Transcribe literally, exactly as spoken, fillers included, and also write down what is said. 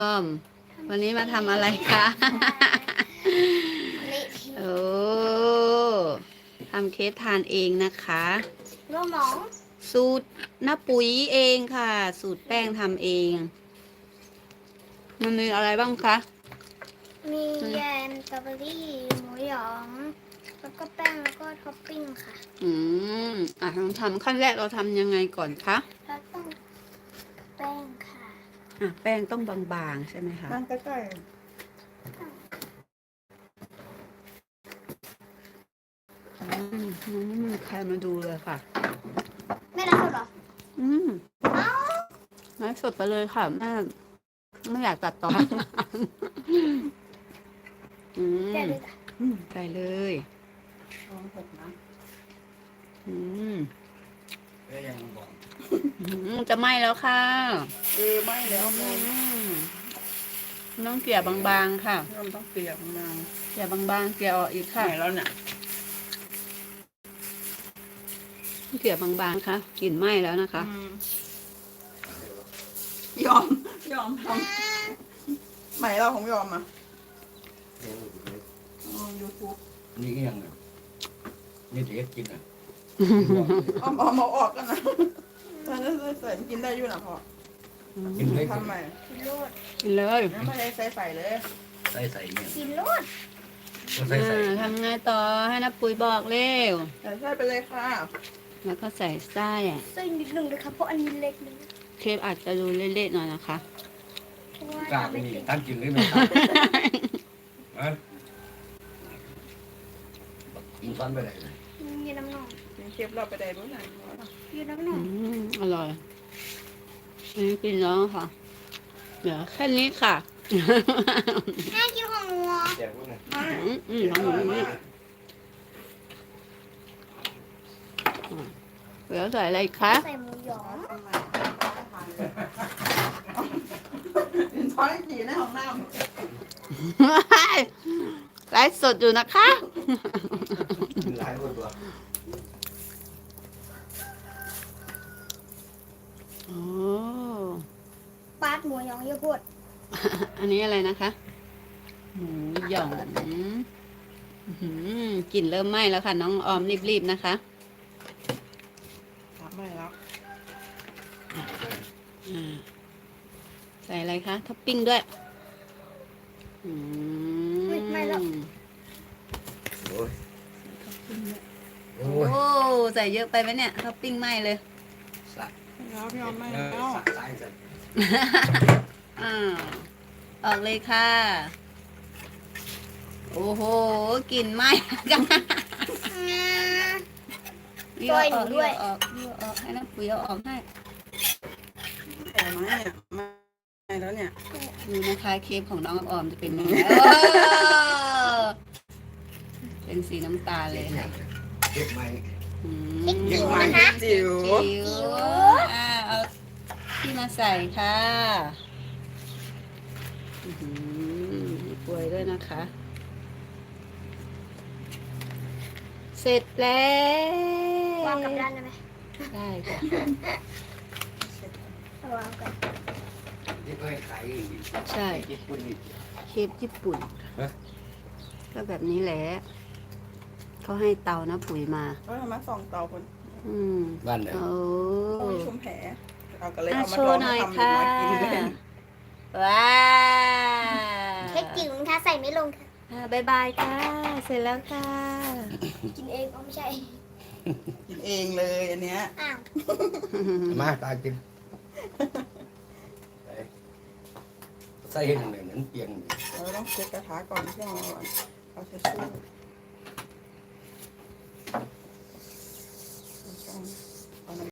อมวันนี้มาทำอะไรคะ โอ้ทำเค้กทานเองนะคะโน้หมองสูตรน้าปุ๋ยเองค่ะ สูตรแป้งทำเอง มันมีอะไรบ้างคะมีแยมสตรอเบอรี่หมูหยองแล้วก็แป้งแล้วก็ท็อปปิ้งค่ะอืมอ่ะลองทำขั้นแรกเราทำยังไงก่อนคะแล้วต้องแป้งค่ะอ่ะแป้งต้องบางๆใช่ไหมคะนั่งใกล้อืมยังไม่มีใครมาดูเลยค่ะไม่รับหรออืมไลฟ์สดไปเลยค่ะแม่ไม่อยากตัดต่อ อืมแป้งเลยค่ะอืมไปเลยๆลองหกนะอืมก็ยังบอกอืมจะไหม้แล้วค่ะเออไม่แล้วอืมองมต้องเกลี่ยบางๆค่ะเริ่มต้องเปียกนางเกลี่ยบางๆเกลี่ยออกอีกไข่ค่ะแล้วเนี่ยเกลี่ยบางๆค่ะกลิ่นไหม้แล้วนะคะอืมยอม ยอมทำใหม่เราของยอมอ่ะยูทูบนี่ก็ยังเนี่ยนี่เด็กกินอ่ะเอาเอามาออกกันนะถ้าจะใส่มันกินได้อยู่นะพ่อกินได้ทำใหม่กินโลดกินเลยไม่ได้ใส่ใส่เลยใส่ใส่เนี่ยกินโลดก็ใส่ใส่อ่าทำไงต่อให้นับปุ๋ยบอกเร็วใส่ใส่ไปเลยค่ะแล้วก็ใส่ไส้อะใส่นิดหนึ่งเลยค่ะเพราะอันนี้เล็กเลยเคปอาจจะดูเละๆหน่อยนะคะเพราะว่ากล้าทำไปไม่นี่เก่งตั้งกินเลยไหมครับฮะกินฟันไปไหนเลยยืนน้ำหนองกินเค็มเราไปได้บ้างไหนยืนน้ำหนอืองมอร่อยอันนี้กินแล้วค่ะ เดี๋ยวแค่นี้ค่ะแม่กินของหนูแจกพวกนี้อืมอืมของหนูนี่เดี๋ยวใส่อะไรคะใส่หมูหยองกินช้อนจีในห้องน้ไลฟ์สดอยู่นะคะกินหลายคนตัวโอ้ปาดหมูหยองเยอะพูดอันนี้อะไรนะคะ หมูหยองอื้อหือกลิ่นเริ่มไหม้แล้วค่ะ น้องออมรีบๆนะคะำทำไม่แล้วอ่าใส่อะไรคะท็อปปิ้งด้วยอืมไม่แล้วโอ้ยโอ้โอ้ยใส่เยอะไปไหมเนี่ยท็อปปิ้งไหม้เลยสัตว์แล้วพี่ยอมไม่เออแล้วสัตว์ตายสัตว์อ่าออกเลยค่ะ โอ้โหกลิ่นไหม้กันช่วยหนูด้วยออกเยอะออกให้น้ำปุ๋ยเอาออกให้แต่ไม่อะไม่แล้วเนี่ยดูนะคะเค้กของน้องออมจะเป็นยังไงเออเป็นสีน้ำตาลเลยค่ะเก็บไหมอืมเก่งมากจิ๋วจิ๋วอ่าเอาที่มาใส่ค่ะอื้อหือมีกล้วยด้วยนะคะ เสร็จแล้ววางกับด้านได้ไหมได้ค่ะเอาวางกันที่เคยขายใช่ญี่ปุ่นนี่เค้กญี่ปุ่นฮะก็แบบนี้แหละเขาให้เตานะปุ๋ยมาก็ทำมาสองเตาคนอืมบ้านไหนโอ้ต้องมีชุมแผลเอากันเลยอ่ะเอามาโชลอว์งหน่อยทำค่ะมากินเลยว้าเค้กจิ๋วนะคะใส่ไม่ลงค่ะอ่าบายบายค่ะ เสร็จแล้วค่ะกินเองเอาไม่ใช่กินเองเลยอันเนี้ยอ้าวมาตายกินใส่ให้หนึ่งเลยเหมือนเปียงเราต้องเช็ดกระทะก่อนเครื่องก่อนเอาเช็ดชู่